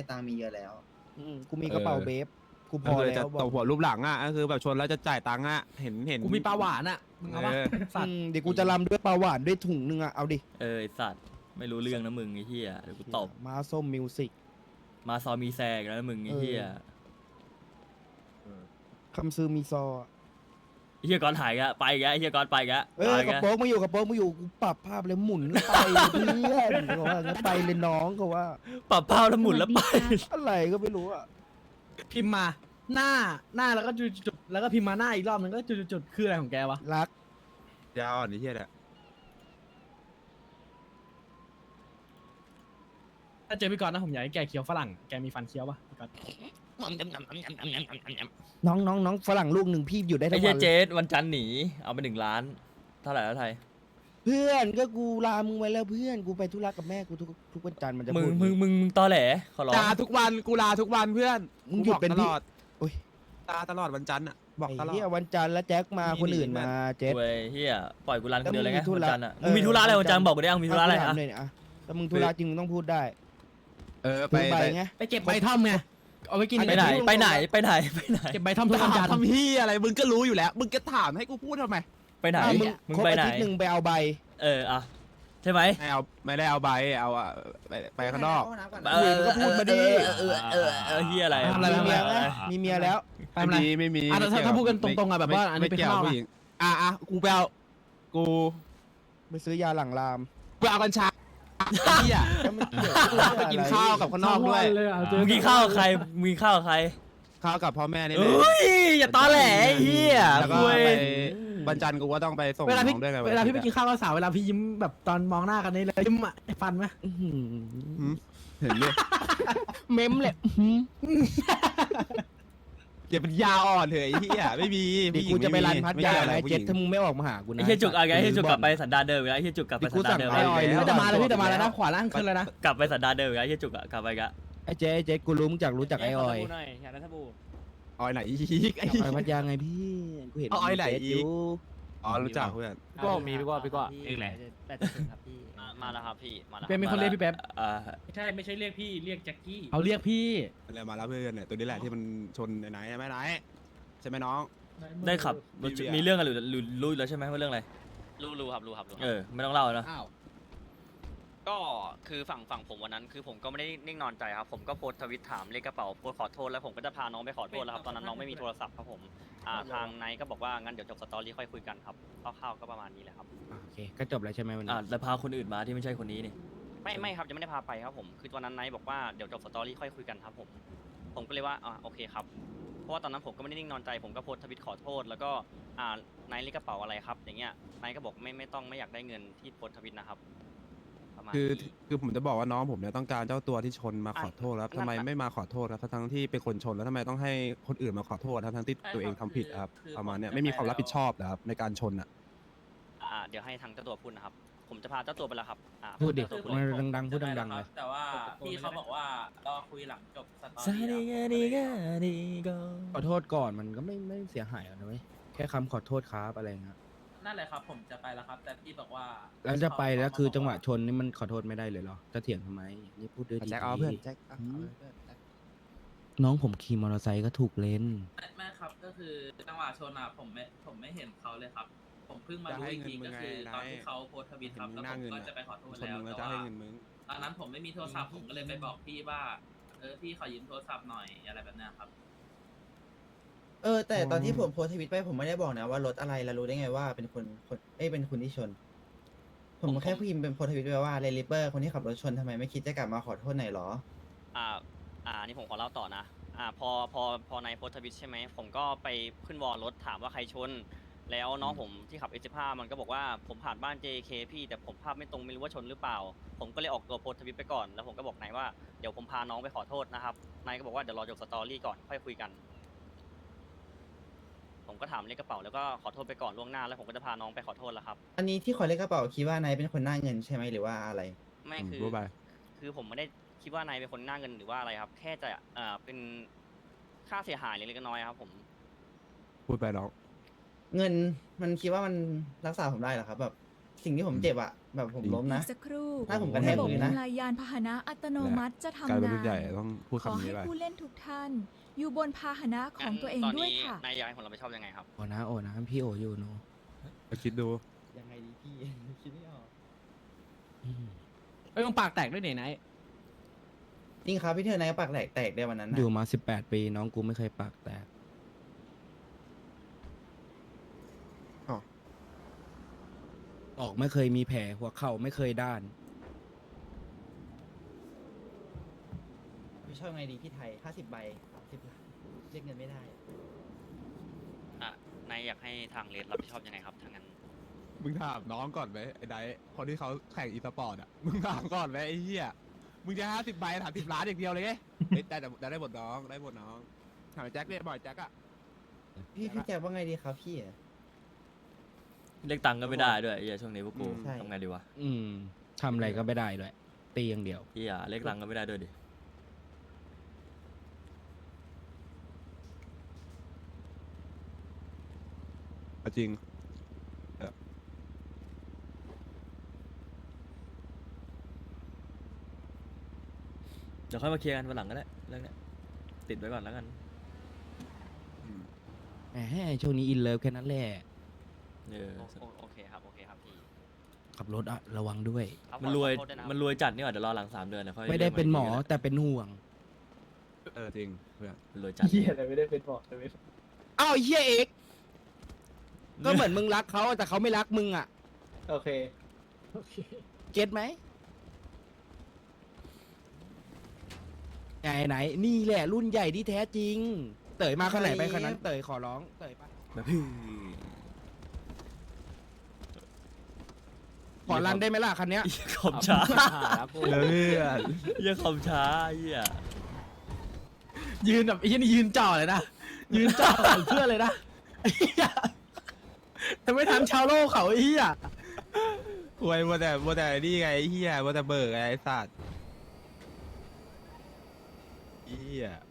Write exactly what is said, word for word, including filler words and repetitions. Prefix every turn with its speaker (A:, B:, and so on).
A: ได้ตังค์มีเยอะแล้ว
B: อืมกูมีกระเป๋าเบฟกูพ
C: ก็
B: อ
C: คือ
B: แล้
C: จะ
B: วบ
C: ต
B: อก
C: บหัวรูปหลังอ่ะก็คือแบบชนแล้วจะจ่ายตังค์อ่ะเห็นเห็น
D: กูมีปลาหวานอ่ะมึงเอาปะ
C: เออ
D: สั
B: อื
D: ตว์
B: มเดี๋ยวกูจะรำด้วยปลาหวานด้วยถุงนึงอะเอาดิ
E: เออไอสัตว์ไม่รู้เรื่องนะมึงไอ้เหี้ยเดี๋ยวกูตบ
B: มาส้มมิวสิก
E: มาซอมีแซกแล้วนะมึงไอ้เหี้ย
B: คำซื้อมีซอ
E: ไอ้เหี้ยก่อนถ่ายกะไปกะไอ้เหี้ยก่อนไปกะ
B: เอ้ยกระโปรงมาอยู่กระโปรงมาอยู่กูปรับภาพเลยหมุนไปเพื่อนเขาว่างั้นไปเลยน้องเขาว่า
E: ปรับเป้าแล้วหมุนแล้วไป
B: อะไรก็ไม่รู้อะ
D: พิมพ์มาหน้าหน้าแล้วก็จุดๆแล้วก็พิมพ์มาหน้าอีกรอบนึงก็จุดๆคืออะไรของแกวะ
B: รัก
C: ยาวอ่อนนี่เที่ยแหละ
D: ถ้าเจอพี่กรณ์นะผมอยากให้แกเคี้ยวฝรั่งแกมีฟันเคี้ยวปะพี่กรณ์
B: น้องน้องน้องฝรั่งลูกหนึ่งพี่อยู่ได้
E: ไอ้
B: ทั้ง
E: เหี้
B: วั
E: ย
B: น
E: เจ
B: เลย
E: สวันจันทร์หนีเอาไปหนึ่งล้านเท่าไหร่แล้วไทย
B: เพื่อนก็กูลามึงไว้แล้วเพื่อนกูไปธุระกับแม่กูทุกทุกวันจันทร์มันจะ
E: มึง
B: พูด
E: มึงมึงมึงตอแหลขอร้อง
C: ลาทุกวันกูลาทุกวันเพื่อน
B: มึงหยุดเป็น
C: ต
B: พี่
C: ลอด
B: โอ้ย
C: ลาตลอดวันจันทร์อ่ะบอก
B: ไอ้
C: ตลอด
B: เหี้ยวันจันทร์แล้วแจ็คมา
C: นี่
B: คนอื่น
C: นี่
B: มาเจ็ด
E: เว้ยเหี้ยปล่อยกูรันคนเดียวเลยไง
B: แล้วมึงมีธุ
E: วัน
B: ระ
E: จันทร์อ่ะ
B: เอ
E: มึ
B: อ
E: งมีธุระอะไรวันจันทร์บอกกูได้เอามีธุระอะไร
B: ถา
E: อ่ะ
B: มเลยเนี่ยอะแต่มึงธุระจริงมึงต้องพูดได้
C: เออไป
B: ถือใบ
C: ไป
B: ไง
D: ไปเก็บใบท่อมไงเอาไว้กิน
E: ไปไหนไปไหนไปไหนไปไหน
D: เก็บใบท่อมทุกวันจันทร์
C: ทำพี่อะไรมึงก็รู้อยู่แล้ว มึงก็ถามให้กูพูดทำไม
E: ไปไหน
B: อ่ะมึง
E: มึง
B: ครบ
E: ไป
B: อา
E: ไหน
B: ทิตย์หนึ่งไปเอาใบ
E: เอออ่ะใช่ไหม
C: ไม่เอาไม่ได้เอาใบเอาอะไปไปข้างนอก
E: เออก็พูดมาดิเออเออเออเฮียอะไร
D: ทำอะไร
B: มี
D: ทำ
B: เมี
D: อะ
B: ย
D: ไร
B: ไหมมีเมียแล้ว
D: ไปทำอะไร
C: ไม่มีไม่มี
D: อ่ะแต่ถ้า
C: ไม่เกี่ยว
D: ถ้าพูดกันตรงๆอ่ะแบบว่าอันนี้
C: ไม่
D: ไป
C: เกี่ยว
D: ข้างนอก
C: ผู้หญิงอ่ะอ่ะกูไปเอากู
B: ไปซื้อยาหลังราม
C: กูเอากัญชาเหี้ย
B: แล้วมันเกี่ยว
C: กูไปกินข้าวกับข้างนอกด้วย
D: เลยอ่ะเจอ
E: มึงกินข้าวกับใครมึงกินข้าวกับใคร
C: ข้าวกับพ่อแม่นี่แห
E: เอ
C: ละ
E: ้ยอย่าตอแหลไอ้เฮีย
C: แล้วก็
E: คุย
C: ไปวันจันทร์กูก็ต้องไปส่ง
D: เวลา
C: น้
D: พี่
C: องด้วยไง
D: เวลาพี่ไปกินข้าวกับสาวเวลาพี่ยิ้มแบบตอนมองหน้ากันนี่เลยยิ้มอ่ะไอ้ฟันไหม
B: อื้อหือ
C: หืมเห็นเลย
B: เม้มเลยอื้อหือ
C: อย่าเป็นยาอ่อนเถอะไอ้เหี้ยไม่มี
B: เดี๋ยว
C: ผู้หญิง
B: กูจะไปรันพัทยา
C: ม่
B: นะ
C: กี่ว
B: ไอ้เจ็ด
C: ผู้หญิง
B: ถ้ามึงไม่ออกมาหากูนะ
E: ไอ้เฮียจุกอะไรไอ้เฮียจุกกลับไปสันดานเดิมอีกแล้วไอ้เฮียจุกกลับไปสันดานเดิม
B: ไอ้
E: อีก
B: กูสั่ง
E: แล้ว
D: พี่จะมาแล้วพี่จะมาแล้วนะขวาล่างขึ้นเลยนะ
E: กลับไปสันดานเดิมอีกแล้วไอ้เฮียจุกอะกลับไปกะ
B: ไอ้เจ๊ไอ้เจ๊กูรู้มึงจากรู้จักไอ้ออย
E: อยากได้สบู่
C: ออยไหนอีกไอ้
B: ไปพัทยาไงพี่กูเห็น
C: เอาไอ้ไหน
B: เจ๊
C: อีก
B: ยู่
C: อ๋อรู้จักเพื่อน
F: พี่ก็มีพี่ก็พี่ก็เองแหละ
E: มาแล้วครับพี่มาแล้ว
D: เป็นมีคนเรียกพี่แป๊บ
E: อ่า
F: ไม่ใช่ไม่ใช่เรียกพี่เรียกแจ็คกี้
D: เขาเรียกพี่
C: อะไรมาแล้วเพื่อนเนี่ยตัวนี้แหละที่มันชนไหนๆใช่ไหมไหนใช่ไหมน้อง
E: ได้ขับ
C: มีเบียร์
E: มีเรื่องกันหรือหรือรู้อยู่แล้วใช่ไหมว่าเรื่องอะไร
G: รู้รู้ครับรู้ครับรู้ค
E: เอ
G: รับ
E: อไม่ต้องเล่าแล้ว
D: อ้าว
G: ก็คือฝั่งฝั่งผมวันนั้นคือผมก็ไม่ได้นิ่งนอนใจครับผมก็โพสต์ทวิตถามเลขกระเป๋าโพสต์ขอโทษแล้วผมก็จะพาน้องไปขอโทษแล้วครับตอนนั้นน้องไม่มีโทรศัพท์ครับผมอ่าทางไนท์ก็บอกว่างั้นเดี๋ยวจบสตอรี่ค่อยคุยกันครับคร่าวๆก็ประมาณนี้แหละครับ
B: อ่ะโอเคก็จบแล้วใช่ไหมวันนี้
E: อ่าแล้วพาคนอื่นมาที่ไม่ใช่คนนี้นี่
G: ไม่ไม่ครับยังไม่ได้พาไปครับผมคือตอนนั้นไนท์บอกว่าเดี๋ยวจบสตอรี่ค่อยคุยกันครับผมผมก็เลยว่าอ่าโอเคครับเพราะว่าตอนนั้นผมก็ไม่ได้นิ่งนอนใจผมก็โพสต์ทวิตขอโทษ แล้วก็อ่าไนท์เลขกระเป๋าอะไรครับอย่างเงี้ยไนท์ก็บอกไม่ไม่ต้องไม่อยากได้เงินที่โพสต์ทวิตนะครับประมาณ
C: คือ
G: นี้
C: คือผมจะบอกว่าน้องผมเนี่ยต้องการเจ้าตัวที่ชนมาขอโทษแล้ว
G: อ่ะ
C: ทำไม
G: นั่นน่ะ
C: ไม่มาขอโทษครับทั้งๆที่เป็นคนชนแล้วทำไมต้องให้คนอื่นมาขอโทษทั้งๆที่ตัวเองทำผิดครับประมาณเนี้ยไม่มีความรับผิดชอบนะครับในการชนอ่ะ
G: อ่าเดี๋ยวให้ทางเจ้าตัวพูดนะครับ ผมจะพาเจ้าตัวไปแล้วครับอ่า
B: พูดดิ
G: เจ้าตัว
B: มันดังๆพูดดังๆเลย
F: แต่ว่าพี่เขาบอกว่ารอคุยหลังจบสตอ
E: ซา
F: รี่
E: ดิ
F: แล้ว
E: กาดิกาดิโก
B: ขอโทษก่อนมันก็ไม่ไม่เสียหายหรอกนะเว้ยแค่คำขอโทษครับอะไรเงี้ย
F: นั่นแหละครับผมจะไปแล้วครับ แต่พี่บอกว่า
B: แล้วจะไปแล้วคือจังหวะชนนี่มันขอโทษไม่ได้เลยเหรอจะเถียงทำไมนี่พูดด้วยดี
C: แจ็คเอาเพื่อนแจ็คเอา
B: อืม
C: เอาเพื่อนแจ็ค
B: น้องผมขี่มอเตอร์ไซค์ก็ถูกเลน
F: ไม่ไม่ครับก็คือจังหวะชนอ่ะผมไม่ผมไม่เห็นเขาเลยครับ ผมเพิ่งมารู้อีกทีก็คือตอนที่เขาโพสต์ทวิตครับแล้วผมก็จะไปขอโทษ
C: ชน
F: แล้ว
C: มึงแล้ว
F: แต่
C: จะ
F: ว่า
C: ให้เงินมึง
F: ตอนนั้นผมไม่มีโทรศัพท์ผมก็เลยไปบอกพี่ว่าเออพี่ขอยืมโทรศัพท์หน่อยอะไรแบบเนี้ยครับ
A: เออแต่ตอนที่ผมโพสต์ทวิตไปผมไม่ได้บอกนะว่ารถอะไรแล้วรู้ได้ไงว่าเป็นคนคนเอ้ยเป็นคนที่ชน ผมแค่พิมพ์เป็นโพสต์ทวิตไปว่าเรลิเปอร์คนที่ขับรถชนทำไมไม่คิดจะกลับมาขอโทษหน่อยหรอ
G: อ่าอ่านี่ผมขอเล่าต่อนะอ่าพอพอพอในโพสต์ทวิตใช่ไหมผมก็ไปขึ้นวอลรถถามว่าใครชน แล้วน้องผมที่ขับ เอส สิบห้า มันก็บอกว่าผมผ่านบ้าน เจ เค พี่แต่ผมภาพไม่ตรงไม่รู้ว่าชนหรือเปล่า ผมก็เลยออกตัวโพสต์ทวิตไปก่อนแล้วผมก็บอกนายว่าเดี๋ยวผมพาน้องไปขอโทษนะครับนายก็บอกว่าเดี๋ยวรอจบสตอรี่ก่อนค่อยคุยกัน ผมก็ถามเลขกระเป๋าแล้วก็ขอโทษไปก่อนล่วงหน้าแล้วผมก็จะพาน้องไปขอโทษแล้วครับ
A: อันนี้ที่ขอเลขกระเป๋าคิดว่านายเป็นคนหน้าเงินใช่ไหมหรือว่าอะไร
G: ไม่
C: อืม
G: คือ
C: รู้ไป
G: คือผมไม่ได้คิดว่านายเป็นคนหน้าเงินหรือว่าอะไรครับ แค่จะเอ่อเป็นค่าเสียหายเล็กๆน้อยๆครับผม
C: พูดไปน้อง
A: เงินมันคิดว่ามันรักษาผมได้เหรอครับแบบสิ่งที่ผมเจ็บอะแบบผม
C: จริง
A: ล้ม
H: อี
A: นะ
H: กสักครู่
A: ถ้าผมกระแท
H: ระ
A: ก
H: บบ
A: พื้นนะ
H: ทำลายยานพาหนะอัตโนมัติจะ
C: กลาย
H: ทำ
C: เป็น
H: งา
C: รุ่นใหญ่
H: น
C: ต้องพูด
H: ขอ
C: คำนี้
H: ให้
C: ไป
H: ผู้เล่นทุกท่าน อยู่บนพาหนะของตัวเอง
G: ตอน
H: ด้วย
G: นี้
H: ค่ะ
G: นายอยากให้ผมรับผิดชอบยังไงครับ
B: โอ้นะโอ้นะพี่โออยู่เนาะ
C: ก็คิดดู
A: ยังไงดีพี่ คิดไม่ออก
B: อืม
D: ไอ้ยมึงปากแตกด้วยเนี่ยไหน
A: จริงครับพี่เธอนายปากแตกแตกได้วันนั้นนะ
B: อยู่มาสิบแปดปีน้องกูไม่เคยปากแตก
C: อ้าว
B: ออกไม่เคยมีแผลหัวเข่าไม่เคยด้าน
A: พี่ชอบไงดีพี่ไทยห้าสิบใบสามสิบล้านเรียกเงินไม่ได้
G: อ่ะนายอยากให้ทางเลดรับผิดชอบยังไงครับทางนั้น
C: มึงถามน้องก่อนไหมไอ้ไดท์คนที่เขาแข่งอีสปอร์ตอ่ะ มึงถามก่อนไหมไอ้เหี้ย มึงจะห้าสิบใบถามสิบล้านอย่างเดียวเลยไงเฮ้ยได้แต่ได้ได้หมดน้องได้หมดน้องถามไอ้แจ็คเนี่ยบ่อยแจ็คอะ
A: พี่พี่แจ็คว่าไงดีครับพี่
E: เรียกตังค์ก็ไม่ได้ด้วยไอ้เหี้ยช่วงนี้พวกกู
A: ใช่
E: ทำไงดีวะ
B: อืมทำอะไรก็ไม่ได้ด้วยตีอย่างเดียว
E: เหี้ยเรียกตังค์ก็ไม่ได้ด้วยดิ
C: เอาจริง
E: เดี๋ยวค่อยมาเคลียร์กันวันหลังก็ได้เรื่องเนี้ยติดไว้ก่อนแล้วกัน
B: แหมช่วงนี้อินเลิฟแค่นั้นแหละ
E: เออ
G: โอโอโอเคครับโอเคครับพี่
B: ขับรถอะระวังด้วย
G: ครับ
E: มันรวย
G: ขอโทษด้นะคบ
E: มันรวยจัดนี่หว่าเดี๋ยวรอหลังสามเดือนนะค่อย
B: ไม่ได้เป็นหมอ
E: รียกาอีกที
B: แต่เป็นห่วง
C: เออจริงเพื่อน
E: ก็ได้รวยจัด
D: เหี้ยอะไรไม่ได้เป็นบอกเลย
B: อ้าวไอ้เฮียเอกก็เหมือนมึงรักเขาแต่เขาไม่รักมึงอ่ะ
D: โอเคโอเค
B: เก็ตไหมไหนไหนนี่แหละรุ่นใหญ่ที่แท้จริง เต๋ยมาขนาดไหนไปขนาดนั้นเต๋ยขอร้องเต๋ยปะ
E: แบบพี่
B: ขอรันได้ไหมล่ะคันเนี้ย
E: เหี้ยขอบช้า
C: เพื่อน
E: เหี้ยขอบช้าเหี้ย
D: ยืนแบบไอ้เหี้ยนี่ยืนจ่อเลยนะ ยืนจ่อเพื่อนเลยนะไอ้เหี้ยแต่ไม่ทันชาวโลกเขาไอ้เหี้ย
C: หวยมัวแต่มัวแต่นี่ไงไอ้เหี้ยมัวแต่เบิกไงไอ้สัตว์เหี้ย